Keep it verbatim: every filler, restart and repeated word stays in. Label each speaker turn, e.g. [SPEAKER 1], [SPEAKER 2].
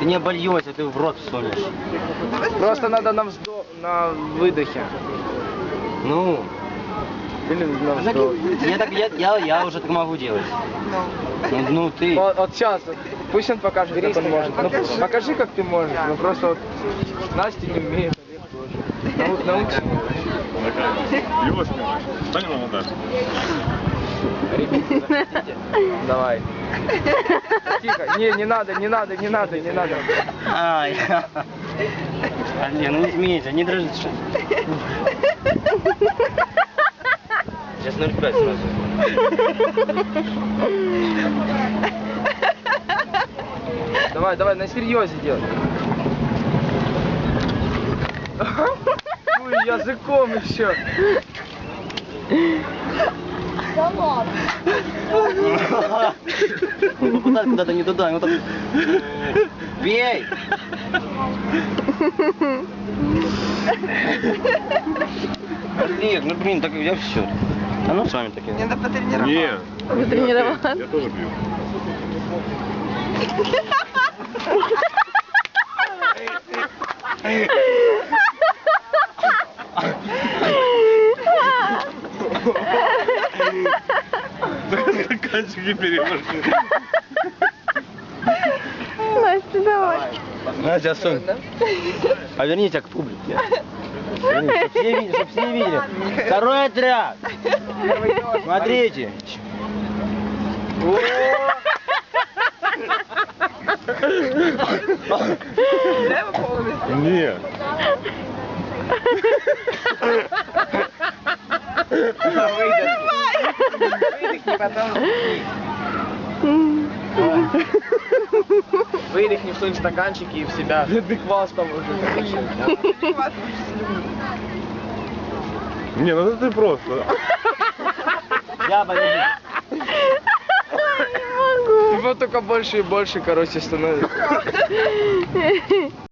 [SPEAKER 1] Ты не обольешься, ты в рот всунешь.
[SPEAKER 2] Просто надо на вздох, на выдохе.
[SPEAKER 1] Ну.
[SPEAKER 2] Или на вздох.
[SPEAKER 1] Я, так, я, я, я уже так могу делать. Ну, ну ты.
[SPEAKER 2] Вот, вот сейчас, пусть он покажет, как он может. Ну, покажи, как ты можешь. Ну просто вот Настя не умеет, Олег тоже. Нау- Научи.
[SPEAKER 3] Его снимаешь. Встань на Наташу.
[SPEAKER 2] Ребята, захотите? Давай. Тихо. Не, не надо, не надо, не надо, не надо.
[SPEAKER 1] Ай. Блин, ну не смейся, не дрожи. Сейчас ноль пять сразу.
[SPEAKER 2] Давай, давай, на серьезе делай. Ой, языком еще.
[SPEAKER 4] Да ладно.
[SPEAKER 1] Куда, куда-то не туда, вот так. Бей! Олег, ну блин, так я все. А ну с вами такие.
[SPEAKER 4] Надо потренироваться.
[SPEAKER 3] Нет.
[SPEAKER 4] Потренироваться.
[SPEAKER 3] Я тоже пью. Стаканчики переложили.
[SPEAKER 4] Настя, давай.
[SPEAKER 1] Настя, сунь. Поверните к публике. Поверните, чтоб все видели, чтоб все видели. Второй отряд. Смотрите.
[SPEAKER 3] Нет.
[SPEAKER 2] Выдохни, потом. Выдохни в свои стаканчики и в себя. Ты квас там уже.
[SPEAKER 3] Не, ну это ты просто.
[SPEAKER 1] Я подожди.
[SPEAKER 2] Его только больше и больше, короче, становится.